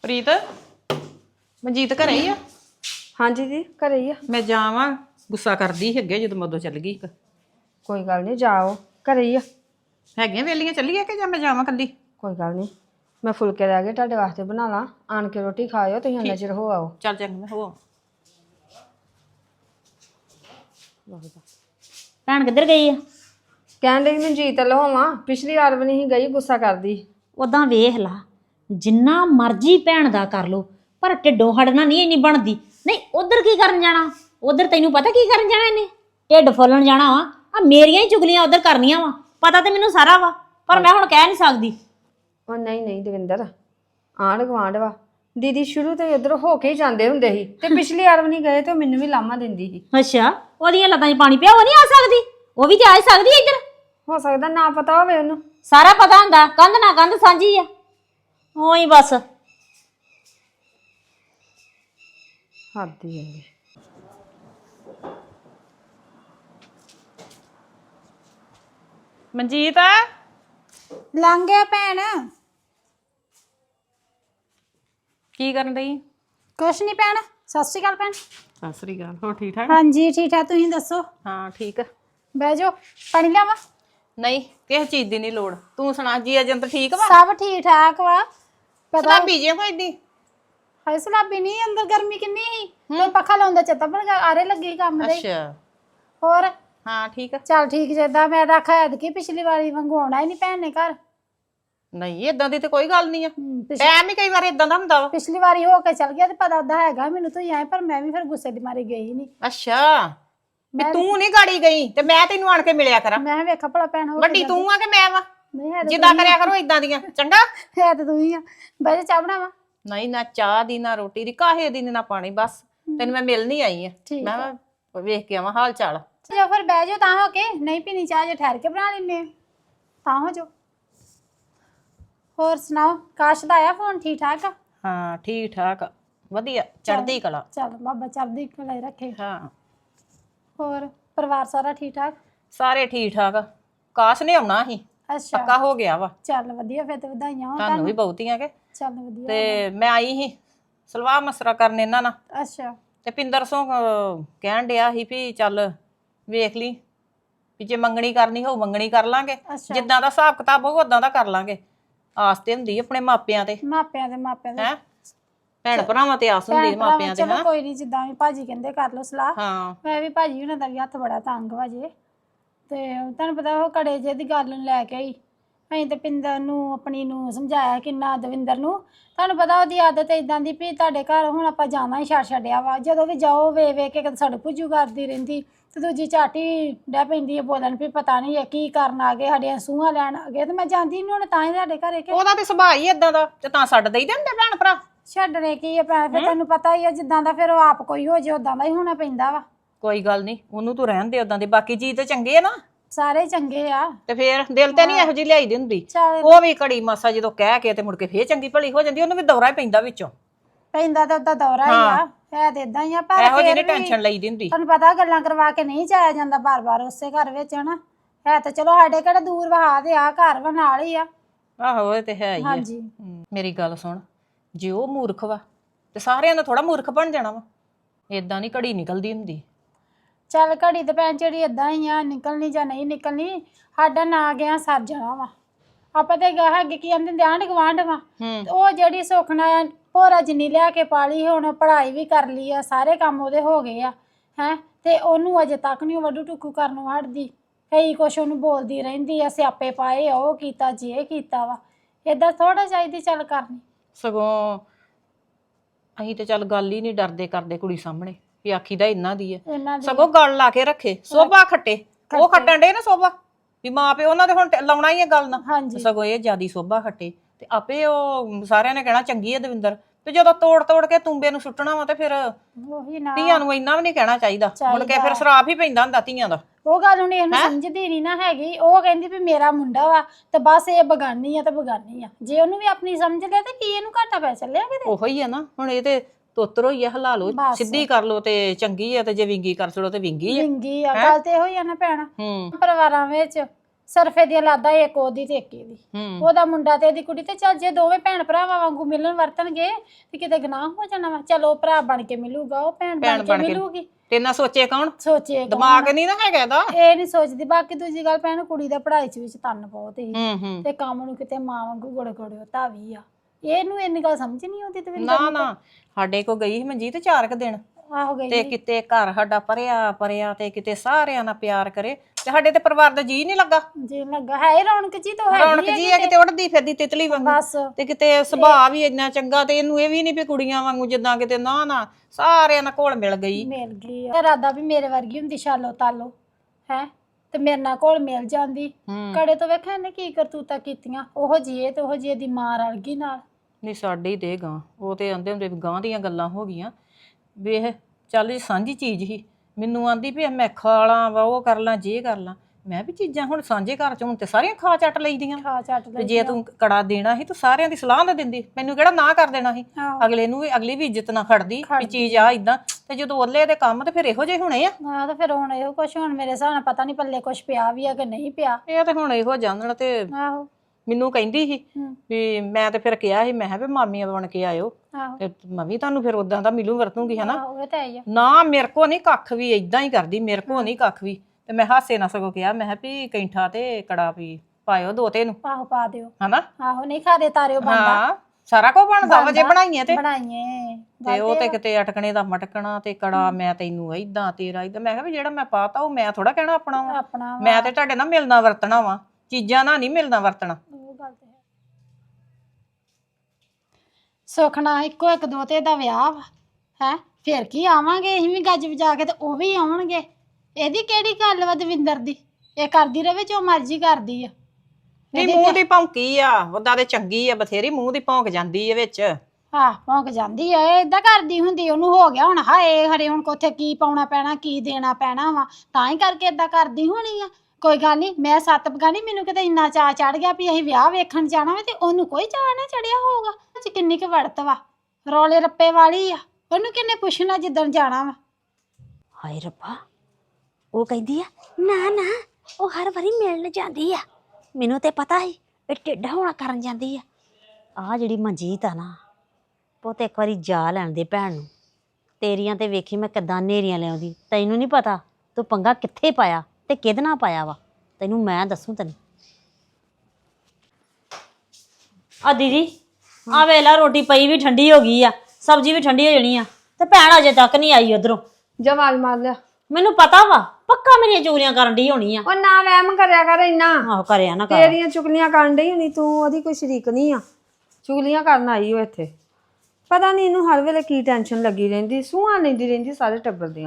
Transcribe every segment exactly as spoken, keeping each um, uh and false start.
ਪ੍ਰੀਤ ਮਨਜੀਤ ਘਰੇ ਹੀ ਆ? ਹਾਂਜੀ ਜੀ ਘਰੇ ਹੀ ਆ। ਮੈਂ ਜਾਵਾਂ ਗੁੱਸਾ ਕਰਦੀ ਸੀ ਅੱਗੇ ਜਦੋਂ ਮਦੋਂ ਚੱਲ ਗਈ। ਕੋਈ ਗੱਲ ਨਹੀਂ ਜਾਓ, ਘਰੇ ਹੀ ਆ। ਹੈਗੀਆਂ ਵੇਲੀਆਂ ਚੱਲੀਏ ਕਿ ਜਾਂ ਮੈਂ ਜਾਵਾਂ ਕੱਲੀ? ਕੋਈ ਗੱਲ ਨਹੀਂ, ਮੈਂ ਫੁਲਕੇ ਲੈ ਕੇ ਤੁਹਾਡੇ ਵਾਸਤੇ ਬਣਾ ਲਾਂ, ਆਣ ਕੇ ਰੋਟੀ ਖਾਇਓ, ਤੁਸੀਂ ਅੰਦਰ ਚਿਰ ਹੋ ਆਓ। ਚੱਲ ਚੰਗਾ ਮੈਂ ਹੋ ਭੈਣ ਕਿੱਧਰ ਗਈ ਆ? ਕਹਿਣ ਡਈ ਮਨਜੀਤ ਲਵਾਂ, ਪਿਛਲੀ ਵਾਰ ਵੀ ਨਹੀਂ ਗਈ, ਗੁੱਸਾ ਕਰਦੀ। ਉਦਾਂ ਵੇਖ ਲਾ, ਜਿੰਨਾ ਮਰਜ਼ੀ ਭੈਣ ਦਾ ਕਰ ਲੋ, ਪਰ ਢਿੱਡੋਂ ਹੜਨਾ ਨਹੀਂ ਇੰਨੀ ਬਣਦੀ। ਨਹੀਂ ਉਧਰ ਕੀ ਕਰਨ ਜਾਣਾ? ਉਧਰ ਤੈਨੂੰ ਪਤਾ ਕੀ ਕਰਨ ਜਾਣਾ ਇਹਨੇ? ਢਿੱਡ ਫੁੱਲਣ ਜਾਣਾ ਵਾ। ਆ ਮੇਰੀਆਂ ਹੀ ਚੁਗਲੀਆਂ ਉਧਰ ਕਰਨੀਆਂ ਵਾ, ਪਤਾ ਤੇ ਮੈਨੂੰ ਸਾਰਾ ਵਾ, ਪਰ ਮੈਂ ਹੁਣ ਕਹਿ ਨਹੀਂ ਸਕਦੀ। ਉਹ ਨਹੀਂ ਨਹੀਂ ਦਵਿੰਦਰ, ਆਂਢ ਗੁਆਂਢ ਵਾ, ਦੀਦੀ ਸ਼ੁਰੂ ਤੋਂ ਇੱਧਰ ਹੋ ਕੇ ਹੀ ਜਾਂਦੇ ਹੁੰਦੇ ਸੀ, ਤੇ ਪਿਛਲੀ ਵਾਰ ਵੀ ਨਹੀਂ ਗਏ ਤੇ ਮੈਨੂੰ ਵੀ ਲਾਮਾ ਦਿੰਦੀ ਸੀ। ਅੱਛਾ, ਉਹਦੀਆਂ ਲੱਤਾਂ 'ਚ ਪਾਣੀ ਪਿਆ, ਉਹ ਨਹੀਂ ਆ ਸਕਦੀ? ਉਹ ਵੀ ਤੇ ਆ ਸਕਦੀ ਇੱਧਰ। ਹੋ ਸਕਦਾ ਨਾ ਪਤਾ ਹੋਵੇ ਉਹਨੂੰ। ਸਾਰਾ ਪਤਾ ਹੁੰਦਾ, ਕੰਧ ਨਾ ਕੰਧ ਸਾਂਝੀ ਆ। ਉਹੀ ਬਸ ਹੱਦ ਹੀ ਹੈ। ਮਨਜੀਤ ਲੰਘ ਗਿਆ ਭੈਣ। ਕੀ ਕਰਨ ਰਹੀ? ਕੁਛ ਨਹੀਂ ਭੈਣ। ਸਤਿ ਸ਼੍ਰੀ ਅਕਾਲ ਭੈਣ। ਸਤਿ ਸ੍ਰੀ ਅਕਾਲ। ਹੋਰ ਠੀਕ ਠਾਕ? ਹਾਂਜੀ ਠੀਕ ਠਾਕ, ਤੁਸੀਂ ਦੱਸੋ? ਹਾਂ ਠੀਕ ਆ। ਬਹਿ ਜਾਓ, ਪਾਣੀ ਲਿਆਵਾਂ? ਨਹੀਂ ਕਿਸੇ ਚੀਜ਼ ਦੀ ਨਹੀਂ ਲੋੜ। ਤੂੰ ਸੁਣਾ, ਜੀ ਏਜੰਟ ਠੀਕ ਵਾ? ਸਭ ਠੀਕ ਠਾਕ ਵਾ। ਪਤਾ ਸਲਾਬੀ ਜੇ ਕੋਈ ਦੀ ਹਾਏ ਸਲਾਬੀ ਨਹੀਂ, ਅੰਦਰ ਗਰਮੀ ਕਿੰਨੀ ਸੀ ਤੇ ਪੱਖਾ ਲਾਉਂਦਾ ਚੇਤਾ ਭੁੱਲ ਗਿਆ, ਆਰੇ ਲੱਗੀ ਕੰਮ ਦੇ। ਅੱਛਾ ਹੋਰ ਹਾਂ ਠੀਕ ਆ। ਚੱਲ ਠੀਕ ਜਿੱਦਾਂ ਮੈਂ ਰੱਖਿਆ ਐਤਕੀ, ਪਿਛਲੀ ਵਾਰੀ ਵਾਂਗੂ ਆਉਣਾ ਹੀ ਨਹੀਂ ਭੈਣ ਨੇ ਘਰ। ਨਹੀਂ ਇਦਾਂ ਦੀ ਤੇ ਕੋਈ ਗੱਲ ਨਹੀਂ ਆ। ਹਮ, ਪਿਛ- ਟਾਈਮ ਹੀ ਕਈ ਵਾਰ ਇਦਾਂ ਦਾ ਹੁੰਦਾ ਵਾ। ਪਿਛਲੀ ਵਾਰੀ ਹੋ ਕੇ ਚੱਲ ਗਿਆ ਤੇ ਪਤਾ ਉਹਦਾ ਹੈਗਾ ਮੈਨੂੰ, ਤੂੰ ਆਏ, ਪਰ ਮੈਂ ਵੀ ਫਿਰ ਗੁੱਸੇ ਦੀ ਮਾਰੀ ਗਈ ਨਹੀਂ। ਅੱਛਾ ਵੀ ਤੂੰ ਨਹੀਂ ਗਾੜੀ ਗਈ ਤੇ ਮੈਂ ਤੈਨੂੰ ਆਣ ਕੇ ਮਿਲਿਆ ਕਰਾਂ। ਮੈਂ ਕਿਹਾ ਵੇਖਾ ਭਲਾ ਭੈਣ ਹੋ ਕੇ ਵੱਡੀ ਜਾਂਦੀ। ਤੂੰ ਆ ਕਿ ਮੈਂ ਵਾ? ਨਹੀਂ ਹੈ ਤਾਂ ਜਿੱਦਾਂ ਤੂੰ ਹੀ ਕਰਿਆ ਆ। ਕਰੋ ਇਦਾਂ ਦੀਆਂ, ਚੰਗਾ? ਹੈ ਤਾਂ ਤੂੰ ਹੀ ਆ। ਬਹਿ ਜਾ, ਚਾਹ ਬਣਾਵਾਂ? ਨਹੀਂ ਨਾ ਚਾਹ ਦੀ ਨਾ ਰੋਟੀ ਦੀ, ਕਾਹੇ ਦੀ ਨਾ ਪਾਣੀ, ਬਸ ਤੈਨੂੰ ਮੈਂ ਮਿਲਣ ਹੀ ਆਈ ਆ। ਠੀਕ ਮੈਂ ਕਿਹਾ ਵੇਖ ਕੇ ਆਵਾਂ ਹਾਲ ਚਾਲ। ਜੋ ਫਿਰ ਬਹਿ ਜਾਓ ਤਾਂ ਹੋ ਕੇ, ਨਹੀਂ ਪੀਣੀ ਚਾਹ ਜੇ ਠਹਿਰ ਕੇ ਬਣਾ ਲੈਨੇ ਆ ਤਾਂ ਹੋ ਜਾਓ। ਹੋਰ ਸੁਣਾਓ, ਕਾਸ਼ ਦਾ ਆਇਆ ਫੋਨ? ਠੀਕ ਠਾਕ ਆ? ਹਾਂ ਠੀਕ ਠਾਕ ਆ, ਵਧੀਆ, ਚੜ੍ਹਦੀ ਕਲਾ। ਚੱਲ ਬਾਬਾ ਚੜ੍ਹਦੀ ਕਲਾ ਰੱਖੇ। ਹਾਂ ਹੋਰ ਪਰਿਵਾਰ ਸਾਰਾ ਠੀਕ ਠਾਕ? ਸਾਰੇ ਠੀਕ ਠਾਕ ਆ। ਕਾਸ਼ ਨੇ ਆਉਣਾ ਸੀ, ਅੱਛਾ ਪੱਕਾ ਹੋ ਗਿਆ ਵਾ। ਚੱਲ ਵਧੀਆ, ਫਿਰ ਤੇ ਵਧਾਈਆਂ ਹੋਣ ਤੁਹਾਨੂੰ ਵੀ ਬਹੁਤੀਆਂ ਕੇ। ਚੱਲ ਵਧੀਆ। ਤੇ ਮੈਂ ਆਈ ਸੀ ਸਲਵਾਹ ਮਸਰਾ ਕਰਨ ਇਹਨਾਂ ਨਾਲ, ਅੱਛਾ ਤੇ ਪਿੰਦਰ ਸੋਂ ਕਹਿਣ ਡਿਆ ਸੀ ਵੀ ਚੱਲ ਵੇਖ ਲਈ ਵੀ ਜੇ ਮੰਗਣੀ ਕਰਨੀ ਹੋਊ ਮੰਗਣੀ ਕਰ ਲਾਂਗੇ, ਅੱਛਾ। ਜਿੱਦਾਂ ਦਾ ਹਿਸਾਬ ਕਿਤਾਬ ਹੋਊ ਉਦਾਂ ਦਾ ਕਰ ਲਾਂਗੇ। ਆਸ ਤੇ ਹੁੰਦੀ ਆਪਣੇ ਮਾਪਿਆਂ ਤੇ, ਮਾਪਿਆਂ ਦੇ ਮਾਪਿਆਂ ਦੇ ਹੈ ਭੈਣ ਭਰਾਵਾਂ ਤੇ ਆਸ ਹੁੰਦੀ ਭੈਣ ਭਰਾਵਾਂ, ਮਾਪਿਆਂ ਤੇ। ਚਲੋ ਹੈ ਕੋਈ ਨਹੀਂ, ਜਿੱਦਾਂ ਵੀ ਭਾਜੀ ਕਹਿੰਦੇ ਕਰ ਲਓ ਸਲਾਹ। ਹਾਂ ਮੈਂ ਵੀ ਭਾਜੀ ਉਹਨਾਂ ਦਾ ਵੀ ਹੱਥ ਬੜਾ ਤੰਗ ਵਾ ਜੇ, ਤੇ ਤੁਹਾਨੂੰ ਪਤਾ ਉਹ ਕੜੇ ਜੇ ਦੀ ਗੱਲ ਨੂੰ ਲੈ ਕੇ ਹੀ ਅਸੀਂ ਤੇ ਪਿੰਦਰ ਨੂੰ ਆਪਣੀ ਨੂੰ ਸਮਝਾਇਆ ਕਿੰਨਾ, ਦਵਿੰਦਰ ਨੂੰ। ਤੁਹਾਨੂੰ ਪਤਾ ਉਹਦੀ ਆਦਤ ਇਦਾਂ ਦੀ ਵੀ ਤੁਹਾਡੇ ਘਰ ਹੁਣ ਆਪਾਂ ਜਾਣਾ ਹੀ ਛੱਡ ਛੱਡਿਆ ਵਾ, ਜਦੋਂ ਵੀ ਜਾਓ ਵੇ ਵੇ ਕੇ ਕਦੇ ਸਾਡੇ ਪੁੱਜੂ ਕਰਦੀ ਰਹਿੰਦੀ, ਤੇ ਦੂਜੀ ਝਾਟੀ ਡੈ ਪੈਂਦੀ ਹੈ ਬੋਲਣ ਵੀ ਪਤਾ ਨਹੀਂ ਇਹ ਕੀ ਕਰਨ ਆ ਗਏ, ਸਾਡੀਆਂ ਸੂਹਾਂ ਲੈਣ ਆ ਗਏ। ਤੇ ਮੈਂ ਜਾਂਦੀ ਨਹੀਂ ਹੁਣ, ਤਾਂ ਹੀ ਸਾਡੇ ਘਰੇ ਕਿ ਉਹਦਾ ਤੇ ਸੁਭਾਅ ਹੀ ਏਦਾਂ ਦਾ, ਤੇ ਤਾਂ ਛੱਡ ਦੇਈ ਦੇ ਹੁੰਦੇ ਭੈਣ ਭਰਾ। ਛੱਡਣੇ ਕੀ ਆ ਭੈਣ, ਫਿਰ ਤੈਨੂੰ ਪਤਾ ਹੀ ਆ ਜਿੱਦਾਂ ਦਾ ਫਿਰ ਉਹ ਆਪ ਕੋਈ ਹੋ ਜੇ ਉਦਾਂ ਦਾ ਹੀ ਹੋਣਾ ਪੈਂਦਾ ਵਾ। ਕੋਈ ਗੱਲ ਨਹੀਂ, ਉਹਨੂੰ ਤੂੰ ਰਹਿਣ ਦੇ ਉਦਾਂ ਦੇ, ਬਾਕੀ ਜੀ ਤੇ ਚੰਗੇ ਆ ਨਾ। ਸਾਰੇ ਚੰਗੇ ਆ। ਤੇ ਫੇਰ ਦਿਲ ਤੇ ਨਹੀਂ ਇਹੋ ਜਿਹੀ ਲਿਆਈ ਦੀ ਹੁੰਦੀ। ਚੱਲ ਉਹ ਵੀ ਘੜੀ ਮਾਸਾ ਜਦੋਂ ਕਹਿ ਕੇ ਤੇ ਮੁੜ ਕੇ ਫੇਰ ਚੰਗੀ ਭਲੀ ਹੋ ਜਾਂਦੀ, ਉਹਨੂੰ ਵੀ ਦੌਰਾ ਹੀ ਪੈਂਦਾ ਵਿੱਚੋਂ। ਪੈਂਦਾ ਤਾਂ ਉਹਦਾ ਦੌਰਾ ਹੀ ਆ, ਹੈ ਤੇ ਇਦਾਂ ਹੀ ਆ। ਪਰ ਇਹੋ ਜਿਹੀ ਫਿਰ ਨੀ ਵੀ ਟੈਨਸ਼ਨ ਲਈ ਦੀ ਹੁੰਦੀ। ਤੁਹਾਨੂੰ ਪਤਾ ਗੱਲਾਂ ਕਰਵਾ ਕੇ ਨਹੀਂ ਜਾਇਆ ਜਾਂਦਾ ਬਾਰ-ਬਾਰ ਉਸੇ ਘਰ ਵਿੱਚ, ਹਨਾ। ਹੈ ਤਾਂ ਚਲੋ ਸਾਡੇ ਕਿਹੜਾ ਦੂਰ ਵਹਾ ਦੇ ਆ, ਘਰ ਵਾ ਨਾਲ ਹੀ ਆ। ਆਹੋ ਇਹ ਤੇ ਹੈ ਹੀ ਆ। ਹਾਂਜੀ ਹਮ, ਮੇਰੀ ਗੱਲ ਸੁਣ, ਜੇ ਉਹ ਮੂਰਖ ਵਾ ਤੇ ਸਾਰਿਆਂ ਦਾ ਥੋੜਾ ਮੂਰਖ ਬਣ ਜਾਣਾ ਵਾ। ਏਦਾਂ ਨਹੀਂ ਘੜੀ ਨਿਕਲਦੀ ਹੁੰਦੀ। ਚੱਲ ਘੜੀ ਤੇ ਭੈਣ ਜਿਹੜੀ ਏਦਾਂ ਹੀ ਆ, ਨਿਕਲਣੀ ਜਾਂ ਨਹੀਂ ਨਿਕਲਣੀ, ਸਾਡਾ ਨਾ ਗਿਆ ਸਰ ਜਾਣਾ ਵਾ। ਆਪਾਂ ਤੇ ਗਾ ਅੱਗੇ ਕੀ ਕਹਿੰਦੇ ਆਂਢ ਗੁਆਂਢ ਵਾ, ਹੂੰ ਉਹ ਜਿਹੜੀ ਸੁਖਨਾ ਆ ਭੋਰਾ ਜਿੰਨੀ ਲਿਆ ਕੇ ਪਾਲੀ, ਹੁਣ ਪੜ੍ਹਾਈ ਵੀ ਕਰ ਲਈ ਆ, ਸਾਰੇ ਕੰਮ ਉਹਦੇ ਹੋ ਗਏ ਆ, ਹੈ ਤੇ ਉਹਨੂੰ ਅਜੇ ਤੱਕ ਨਹੀਂ ਵੱਡੂ ਟੁੱਕੂ ਕਰਨ ਨੂੰ ਹਟਦੀ। ਕਈ ਕੁਛ ਉਹਨੂੰ ਬੋਲਦੀ ਰਹਿੰਦੀ ਆ, ਸਿਆਪੇ ਪਾਏ ਆ, ਉਹ ਕੀਤਾ ਜੇ ਕੀਤਾ ਵਾ। ਏਦਾਂ ਥੋੜਾ ਚਾਹੀਦੀ ਚੱਲ ਕਰਨੀ। ਸਗੋਂ ਅਸੀਂ ਤੇ ਚੱਲ ਗੱਲ ਹੀ ਨਹੀਂ ਡਰਦੇ ਕਰਦੇ ਕੁੜੀ ਸਾਹਮਣੇ ਵੀ ਆਖੀਦਾ ਇਹਨਾਂ ਦੀ ਹੈ। ਇਹਨਾਂ ਦੀ ਸਗੋਂ ਗੱਲ ਲਾ ਕੇ ਰੱਖੇ, ਸੋਭਾ ਖੱਟੇ ਉਹ ਖੱਟਣ ਡੇ ਨਾ ਸੋਭਾ, ਵੀ ਮਾਂ ਪਿਓ ਉਹਨਾਂ ਦੇ ਹੁਣ ਲਾਉਣਾ ਹੀ ਹੈ ਗੱਲ ਨਾ। ਹਾਂਜੀ ਸਗੋਂ ਇਹ ਜਿਆਦੀ ਸੋਭਾ ਖੱਟੇ ਤੇ ਆਪੇ ਉਹ ਸਾਰਿਆਂ ਨੇ ਕਹਿਣਾ ਚੰਗੀ ਹੈ ਦਵਿੰਦਰ, ਤੇ ਜਦੋਂ ਤੋੜ ਤੋੜ ਕੇ ਤੁੰਬੇ ਨੂੰ ਸੁੱਟਣਾ ਵਾ ਤੇ ਫਿਰ ਉਹੀ ਨਾ, ਧੀਆਂ ਨੂੰ ਇੰਨਾ ਵੀ ਨਹੀਂ ਕਹਿਣਾ ਚਾਹੀਦਾ। ਮੁੜ ਕੇ ਫਿਰ ਸ਼ਰਾਪ ਹੀ ਪੈਂਦਾ ਹੁੰਦਾ ਧੀਆਂ ਦਾ। ਉਹ ਗੱਲ ਹੁਣ ਇਹਨੂੰ ਸਮਝਦੀ ਨਹੀਂ ਨਾ ਹੈਗੀ। ਉਹ ਕਹਿੰਦੀ ਵੀ ਮੇਰਾ ਮੁੰਡਾ ਵਾ ਤੇ ਬਸ ਇਹ ਬਗਾਨੀ ਆ ਤੇ ਬਗਾਨੀ ਆ। ਜੇ ਉਹਨੂੰ ਵੀ ਆਪਣੀ ਸਮਝ ਲੈ ਤੇ ਕੀ ਇਹਨੂੰ ਘਾਟਾ ਪੈ ਚੱਲਿਆ ਕਿਤੇ। ਉਹੋ ਹੀ ਆ ਨਾ, ਹੁਣ ਇਹ ਤੇ ਤੋਤਰ ਹੋਈ ਆ, ਹਲਾ ਲੋ, ਬਸ। ਸਿੱਧੀ ਕਰ ਲੋ ਤੇ ਚੰਗੀ ਆ, ਤੇ ਜੇ ਵਿੰਗੀ ਕਰ ਛੜੋ ਤੇ ਵਿੰਗੀ ਆ। ਵਿੰਗੀ ਆ। ਗੱਲ ਤੇ ਇਹੋ ਹੀ ਆ ਨਾ ਭੈਣ, ਹੂੰ ਪਰਿਵਾਰਾਂ ਵਿੱਚ ਸਰਫੇ ਦੀ ਲਾਦਾ ਇੱਕ ਉਹਦੀ ਤੇ ਇੱਕ ਇਹਦੀ ਹੂੰ ਉਹਦਾ ਮੁੰਡਾ ਤੇ ਇਹਦੀ ਕੁੜੀ ਤੇ ਚੱਲ ਜੇ ਦੋਵੇਂ ਭੈਣ ਭਰਾਵਾਂ ਵਾਂਗੂ ਮਿਲਣ ਵਰਤਣਗੇ ਤੇ ਕਿਤੇ ਗੁਨਾਹ ਹੋ ਜਾਣਾ ਵਾ। ਚਲੋ ਭਰਾ ਬਣ ਕੇ ਮਿਲੂਗਾ, ਉਹ ਭੈਣ ਭੈਣ ਬਣ ਕੇ ਬਣ ਕੇ। ਮਿਲੂਗੀ। ਤੇ ਨਾ ਸੋਚੇ ਕੌਣ, ਸੋਚੇ ਕੌਣ? ਦਿਮਾਗ ਨਹੀਂ ਨਾ ਹੈਗਾ ਇਹਦਾ। ਇਹ ਨਹੀਂ ਸੋਚਦੀ। ਬਾਕੀ ਦੂਜੀ ਗੱਲ ਭੈਣ, ਕੁੜੀ ਦਾ ਪੜ੍ਹਾਈ ਚ ਵਿੱਚ ਤੰਨ ਬਹੁਤ ਹੀ ਹੂੰ ਹੂੰ ਤੇ ਕੰਮ ਨੂੰ ਕਿਤੇ ਮਾਂ ਵਾਂਗੂ ਗੁੜ ਗੁੜਿਓ ਧਾਵੀ ਆ। ਇਹਨੂੰ ਇੰਨੀ ਗੱਲ ਸਮਝ ਨਹੀਂ ਆਉਂਦੀ ਦਵਿੰਦਰ ਨਾ ਨੂੰ। ਨਾ ਸਾਡੇ ਕੋ ਗਈ ਸੀ ਮਨਜੀਤ ਚਾਰ ਕੁ ਦਿਨ, ਆਹੋ ਗਈ ਤੇ ਕਿਤੇ ਘਰ ਸਾਡਾ ਪਰਿਆ ਪਰਿਆ ਤੇ ਕਿਤੇ ਸਾਰਿਆਂ ਨਾਲ ਪਿਆਰ ਕਰੇ, ਤੇ ਸਾਡੇ ਤੇ ਪਰਿਵਾਰ ਦਾ ਜੀ ਨਹੀਂ ਲੱਗਾ। ਜੀ ਲੱਗਾ ਹੈ ਇਹ ਰੌਣਕ ਜੀ ਤਾਂ ਹੈਗੀ ਰੌਣਕ ਜੀ ਆ ਕਿਤੇ ਉੱਡਦੀ ਫਿਰਦੀ ਤਿਤਲੀ ਵਾਂਗੂ, ਬਸ ਤੇ ਕਿਤੇ ਸੁਭਾਅ ਵੀ ਇੰਨਾ ਚੰਗਾ, ਤੇ ਇਹਨੂੰ ਇਹ ਵੀ ਨਹੀਂ ਵੀ ਕੁੜੀਆਂ ਵਾਂਗੂ ਜਿੱਦਾਂ ਕਿਤੇ ਨਾ ਨਾ ਸਾਰਿਆਂ ਨਾਲ ਘੁਲ ਮਿਲ ਗਈ। ਮਿਲ ਗਈ ਆ। ਇਰਾਦਾ ਵੀ ਮੇਰੇ ਵਰਗੀ ਹੁੰਦੀ ਛਾਲੋ ਤਾਲੋ ਹੈ ਤੇ ਮੇਰੇ ਨਾਲ ਕੋਲ ਮਿਲ ਜਾਂਦੀ। ਹੂੰ ਕੜੇ ਤੋਂ ਵੇਖਿਆ ਇਹਨੇ ਕੀ ਕਰਤੂਤਾਂ ਕੀਤੀਆਂ, ਉਹੋ ਜਿਹੇ ਤੇ ਉਹੋ ਜਿਹੇ ਦੀ ਮਾਂ ਰਲ ਗਈ ਨਾਲ। ਨਹੀਂ ਸਾਡੀ ਤੇ ਗਾਂ, ਉਹ ਤੇ ਆਂਦੇ ਹੁੰਦੇ ਵੀ ਗਾਂ ਦੀਆਂ ਗੱਲਾਂ ਹੋ ਗਈਆਂ ਵੀ ਇਹ ਚੱਲ ਜੀ ਸਾਂਝੀ ਚੀਜ਼ ਹੀ। ਮੈਨੂੰ ਆਂਦੀ ਵੀ ਮੈਂ ਖਾ ਲਾਂ ਵਾ ਉਹ ਕਰ ਲਾਂ ਜੇ ਕਰ ਲਾਂ। ਮੈਂ ਵੀ ਚੀਜ਼ਾਂ ਹੁਣ ਸਾਂਝੇ ਘਰ ਚ ਹੁਣ ਤੇ ਸਾਰੀਆਂ ਖਾ ਚੱਟ ਲਈਦੀਆਂ। ਖਾ ਚੱਟ ਤੇ ਜੇ ਤੂੰ ਕੜਾ ਦੇਣਾ ਸੀ ਤੂੰ ਸਾਰਿਆਂ ਦੀ ਸਲਾਹ ਨਾ ਦਿੰਦੀ, ਮੈਨੂੰ ਕਿਹੜਾ ਨਾ ਕਰ ਦੇਣਾ ਸੀ। ਆਹੋ। ਅਗਲੇ ਨੂੰ ਵੀ ਅਗਲੀ ਵੀ ਇੱਜ਼ਤ ਨਾ ਖੜਦੀ ਵੀ ਚੀਜ਼ ਆ ਇਦਾਂ, ਤੇ ਜਦੋਂ ਉਹਲੇ ਦੇ ਕੰਮ ਤੇ ਫਿਰ ਇਹੋ ਜਿਹੇ ਹੋਣੇ ਆ। ਹਾਂ ਤੇ ਫਿਰ ਹੁਣ ਇਹੋ ਕੁਛ, ਹੁਣ ਮੇਰੇ ਹਿਸਾਬ ਨਾਲ ਪਤਾ ਨਹੀਂ ਪੱਲੇ ਕੁਛ ਪਿਆ ਵੀ ਆ ਕਿ ਨਹੀਂ ਪਿਆ। ਇਹ ਤੇ ਹੁਣ ਇਹੋ ਜਾਣਨ। ਤੇ ਆਹੋ ਮੈਨੂੰ ਕਹਿੰਦੀ ਸੀ ਹੂੰ ਵੀ ਮੈਂ ਤੇ ਫਿਰ ਕਿਹਾ ਸੀ, ਮੈਂ ਕਿਹਾ ਵੀ ਮਾਮੀਆਂ ਬਣ ਕੇ ਆਇਓ ਆਹੋ ਤੇ ਮੈਂ ਵੀ ਤੁਹਾਨੂੰ ਫਿਰ ਉਦਾਂ ਦਾ ਮਿਲੂ ਵਰਤੂੰਗੀ ਹਨਾ। ਆਹੋ ਇਹ ਤਾਂ ਹੈ ਹੀ ਆ। ਨਾ ਮੇਰੇ ਕੋ ਨਹੀਂ ਕੱਖ ਵੀ, ਇਦਾਂ ਹੀ ਕਰਦੀ ਮੇਰੇ ਕੋ ਨਹੀਂ ਕੱਖ ਵੀ। ਤੇ ਮੈਂ ਹਾਸੇ ਨਾਲ ਸਗੋਂ ਕਿਹਾ, ਮੈਂ ਕਿਹਾ ਵੀ ਕੈਂਠਾ ਤੇ ਕੜਾ ਵੀ ਪਾਇਓ ਦੋਤੇ ਨੂੰ ਆਹੋ ਪਾ ਦਿਓ। ਹਨਾ। ਆਹੋ ਨਹੀਂ ਖਾਰੇ ਤਾਰਿਓ ਬਣਦਾ। ਹਾਂ ਸਾਰਾ ਕੁਝ ਬਣਦਾ ਵਾ ਜੇ ਬਣਾਈਏ ਤੇ। ਬਣਾਈਏ ਤੇ ਉਹ ਤੇ ਕਿਤੇ ਅਟਕਣੇ ਦਾ ਮਟਕਣਾ ਤੇ ਕੜਾ ਮੈਂ ਤੈਨੂੰ ਏਦਾਂ ਤੇਰਾ ਏਦਾਂ। ਮੈਂ ਕਿਹਾ ਵੀ ਜਿਹੜਾ ਮੈਂ ਪਾਤਾ ਉਹ ਮੈਂ ਥੋੜਾ ਕਹਿਣਾ ਆਪਣਾ ਵਾ। ਆਪਣਾ ਮੈਂ ਤੇ ਤੁਹਾਡੇ ਨਾਲ ਮਿਲਣਾ ਵਰਤਣਾ ਵਾ, ਚੀਜ਼ਾਂ ਨਾਲ ਨਹੀਂ ਮਿਲਣਾ ਵਰਤਣਾ। ਉਹ ਗੱਲ ਤੇ ਹੈ। ਸੁਖਣਾ ਇੱਕੋ ਇੱਕ ਦੋਤੇ ਦਾ ਵਿਆਹ ਵਾ ਹੈ, ਫਿਰ ਕੀ ਆਵਾਂਗੇ ਅਸੀਂ ਵੀ ਗੱਜ ਵਜਾ ਕੇ ਤੇ ਉਹ ਵੀ ਆਉਣਗੇ। ਇਹਦੀ ਕਿਹੜੀ ਗੱਲ ਵਾ ਦਵਿੰਦਰ ਦੀ, ਇਹ ਕਰਦੀ ਰਵੇ ਜੋ ਮਰਜ਼ੀ ਕਰਦੀ ਆ। ਨਹੀਂ ਮੂੰਹ ਦੀ ਭੌਂਕੀ ਆ, ਉਹਦਾ ਤੇ ਚੰਗੀ ਆ ਬਥੇਰੀ, ਮੂੰਹ ਦੀ ਭੌਂਕ ਜਾਂਦੀ ਏ ਵਿੱਚ। ਹਾਂ ਭੌਂਕ ਜਾਂਦੀ ਆ, ਇਹ ਏਦਾਂ ਕਰਦੀ ਹੁੰਦੀ। ਉਹਨੂੰ ਹੋ ਗਿਆ ਹੁਣ ਹਾਏ ਹਰੇ ਹੁਣ ਕੋਥੇ ਕੀ ਪਾਉਣਾ ਪੈਣਾ ਕੀ ਦੇਣਾ ਪੈਣਾ ਵਾ, ਤਾਂ ਹੀ ਕਰਕੇ ਏਦਾਂ ਕਰਦੀ ਹੋਣੀ ਆ। ਕੋਈ ਗੱਲ ਨਹੀਂ, ਮੈਂ ਸੱਤ ਬਗਾਨੀ, ਮੈਨੂੰ ਕਿਤੇ ਇੰਨਾ ਚਾਅ ਚੜ ਗਿਆ ਵੀ ਅਸੀਂ ਵਿਆਹ ਵੇਖਣ ਜਾਣਾ ਵਾ, ਤੇ ਉਹਨੂੰ ਕੋਈ ਚਾਅ ਨਾ ਚੜਿਆ ਹੋਊਗਾ। ਅੱਜ ਕਿੰਨੀ ਕੁ ਵੜਤ ਵਾ, ਰੌਲੇ ਰੱਪੇ ਵਾਲੀ ਆ। ਉਹਨੂੰ ਕਿੰਨੇ ਪੁੱਛਣਾ ਜਿੱਦਣ ਜਾਣਾ ਵਾ। ਹਾਏ ਰੱਬਾ, ਉਹ ਕਹਿੰਦੀ ਆ ਨਾ ਨਾ ਉਹ ਹਰ ਵਾਰੀ ਮਿਲਣ ਜਾਂਦੀ ਆ, ਮੈਨੂੰ ਤੇ ਪਤਾ ਸੀ ਇਹ ਢਿੱਡ ਹੋਣਾ ਕਰਨ ਜਾਂਦੀ ਆ। ਆ ਜਿਹੜੀ ਮਨਜੀਤ ਆ ਨਾ, ਪੁੱਤ ਇੱਕ ਵਾਰੀ ਜਾ ਲੈਣ ਦੇ ਭੈਣ ਨੂੰ। ਤੇਰੀਆਂ ਤੇ ਵੇਖੀ ਮੈਂ ਕਿੱਦਾਂ ਨੇਰੀਆਂ ਲਿਆਉਂਦੀ, ਤੈਨੂੰ ਨਹੀਂ ਪਤਾ ਤੂੰ ਪੰਗਾ ਕਿੱਥੇ ਪਾਇਆ ਤੇ ਕਿਹਦੇ ਨਾਲ ਪਾਇਆ ਵਾ, ਤੈਨੂੰ ਮੈਂ ਦੱਸੂ ਤੈਨੂੰ। ਆ ਦੀਦੀ ਆ ਵੇਲਾ ਰੋਟੀ ਪਈ ਵੀ ਠੰਡੀ ਹੋ ਗਈ ਆ, ਸਬਜ਼ੀ ਵੀ ਠੰਡੀ ਹੋ ਜਾਣੀ ਆ, ਤੇ ਭੈਣ ਅਜੇ ਤੱਕ ਨਹੀਂ ਆਈ ਉਧਰੋਂ। ਜਵਾਲ ਮਾਰ ਲਿਆ। ਮੈਨੂੰ ਪਤਾ ਵਾ ਪੱਕਾ ਮੇਰੀਆਂ ਚੁਗਲੀਆਂ ਕਰਨ ਦੀ ਹੋਣੀ ਆ। ਉਹ ਨਾ ਵਹਿਮ ਕਰਿਆ ਕਰ ਇੰਨਾ, ਆਹੋ ਕਰਿਆ ਨਾ ਕਰ। ਤੇਰੀਆਂ ਚੁਗਲੀਆਂ ਕਰਨ ਡਈ ਹੋਣੀ, ਤੂੰ ਉਹਦੀ ਕੋਈ ਸ਼ਰੀਕ ਨਹੀਂ ਆ। ਚੁਗਲੀਆਂ ਕਰਨ ਆਈ ਉਹ ਇੱਥੇ। ਪਤਾ ਨਹੀਂ ਇਹਨੂੰ ਹਰ ਵੇਲੇ ਕੀ ਟੈਨਸ਼ਨ ਲੱਗੀ ਰਹਿੰਦੀ, ਸੂਹਾਂ ਲੈਂਦੀ ਰਹਿੰਦੀ ਸਾਰੇ ਟੱਬਰ ਦੀਆਂ।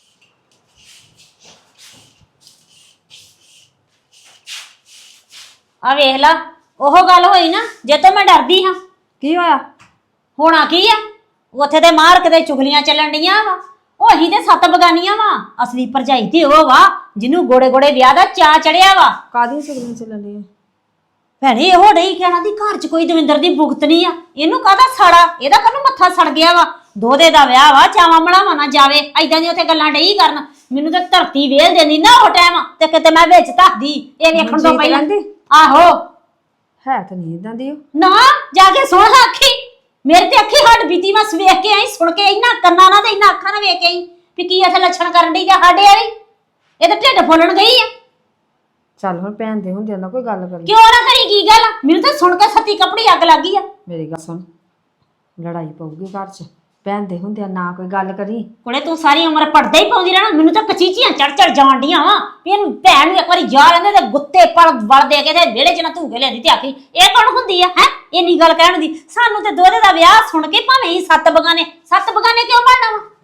ਆ ਵੇਖ ਲਾ, ਉਹ ਗੱਲ ਹੋਈ ਨਾ ਜੇ ਤੋਂ ਮੈਂ ਡਰਦੀ ਹਾਂ। ਕੀ ਹੋਇਆ? ਹੋਣਾ ਕੀ ਆ, ਉੱਥੇ ਤੇ ਮਾਰ ਕਿਤੇ ਚੁਗਲੀਆਂ ਚੱਲਣ ਡੀਆਂ ਵਾ। ਉਹ ਅਸੀਂ ਤੇ ਸੱਤ ਬਗਾਨੀਆਂ ਵਾ, ਅਸਲੀ ਭਰਜਾਈ ਤੇ ਉਹ ਵਾ ਜਿਹਨੂੰ ਗੋੜੇ ਗੋੜੇ ਵਿਆਹ ਦਾ ਚਾਅ ਚੜਿਆ ਵਾ। ਕਾਹਦੀਆਂ ਚੁਗਲੀਆਂ ਚੱਲਣ ਡੀਆਂ? ਭੈਣੇ ਇਹੋ ਡਈ ਕਹਿਣਾ ਦੀ ਘਰ 'ਚ ਕੋਈ ਦਵਿੰਦਰ ਦੀ ਭੁਗਤ ਨਹੀਂ ਆ, ਇਹਨੂੰ ਕਾਹਦਾ ਸਾੜਾ, ਇਹਦਾ ਕਾਹਨੂੰ ਮੱਥਾ ਸੜ ਗਿਆ ਵਾ। ਦੋਦੇ ਦਾ ਵਿਆਹ ਵਾ, ਚਾਵਾਂ ਬਣਾਵਾ ਨਾ ਜਾਵੇ, ਐਦਾਂ ਦੀ ਉੱਥੇ ਗੱਲਾਂ ਡਈ ਕਰਨ। ਮੈਨੂੰ ਤਾਂ ਧਰਤੀ ਵੇਲ ਦੇਣੀ ਨਾ ਉਹ ਟਾਈਮ, ਤੇ ਕਿਤੇ ਮੈਂ ਵਿੱਚ ਧੱਸਦੀ ਇਹ ਵੇਖਣ ਤੋਂ ਪਹਿਲਾਂ। ਆਹੋ ਹੈ ਤਾਂ ਨਹੀਂ ਇਦਾਂ ਦੀ ਉਹ। ਨਾ ਜਾ ਕੇ ਸੁਣ ਲਾ ਅੱਖੀ, ਮੇਰੇ ਤੇ ਅੱਖੀ ਹੱਡ ਬੀਤੀ, ਮੈਂ ਵੇਖ ਕੇ ਆਈ, ਸੁਣ ਕੇ ਇੰਨਾ ਕੰਨਾਂ ਨਾਲ ਤੇ ਇੰਨਾ ਅੱਖਾਂ ਨਾਲ ਵੇਖ ਕੇ ਆਈ ਵੀ ਕੀ ਇੱਥੇ ਲੱਛਣ ਕਰਨ ਡਈ ਜਾਂ ਸਾਡੇ ਵਾਲੀ। ਇਹ ਤਾਂ ਢਿੱਡ ਫੁੱਲਣ ਗਈ ਆ। ਚੱਲ ਹੁਣ ਭੈਣ ਦੇ ਹੁੰਦਿਆਂ ਨਾ ਕੋਈ ਗੱਲ ਕਰੀ। ਕਿਉਂ ਨਾ ਕਰੀ ਕੀ ਗੱਲ, ਮੈਨੂੰ ਤਾਂ ਸੁਣ ਕੇ ਸੱਤੀ ਕੱਪੜੀ ਅੱਗ ਲੱਗ ਗਈ ਆ। ਮੇਰੀ ਗੱਲ ਸੁਣ, ਲੜਾਈ ਪਊਗੀ ਘਰ 'ਚ, ਭੈਣ ਦੇ ਹੁੰਦਿਆਂ ਨਾ ਕੋਈ ਗੱਲ ਕਰੀ। ਕੋਲੇ ਤੂੰ ਸਾਰੀ ਉਮਰ ਪੜਦਾ ਹੀ ਪਾਉਂਦੀ ਰਹਿਣਾ, ਮੈਨੂੰ ਤਾਂ ਕਚੀਚੀਆਂ ਚੜ ਚੜ ਜਾਣ ਡੀਆਂ ਵਾ ਵੀ ਇਹਨੂੰ ਭੈਣ ਨੂੰ ਇੱਕ ਵਾਰੀ ਜਾ ਲੈਂਦੇ ਤੇ ਗੁੱਤੇ ਪਲ ਵੜ ਦੇ ਕੇ ਤੇ ਵਿਹੜੇ 'ਚ ਨਾ ਧੂਕੇ ਲਿਆਂਦੀ ਤੇ ਆਖੀ ਇਹ ਕੌਣ ਹੁੰਦੀ ਆ ਹੈ ਇੰਨੀ ਗੱਲ ਕਹਿਣ ਦੀ। ਸਾਨੂੰ ਤੇ ਦੋਹਰੇ ਦਾ ਵਿਆਹ ਸੁਣ ਕੇ ਭਾਵੇਂ ਹੀ ਸੱਤ ਬਗਾਨੇ, ਸੱਤ ਬਗਾਨੇ ਕਿਉਂ ਬਣਨਾ ਵਾ।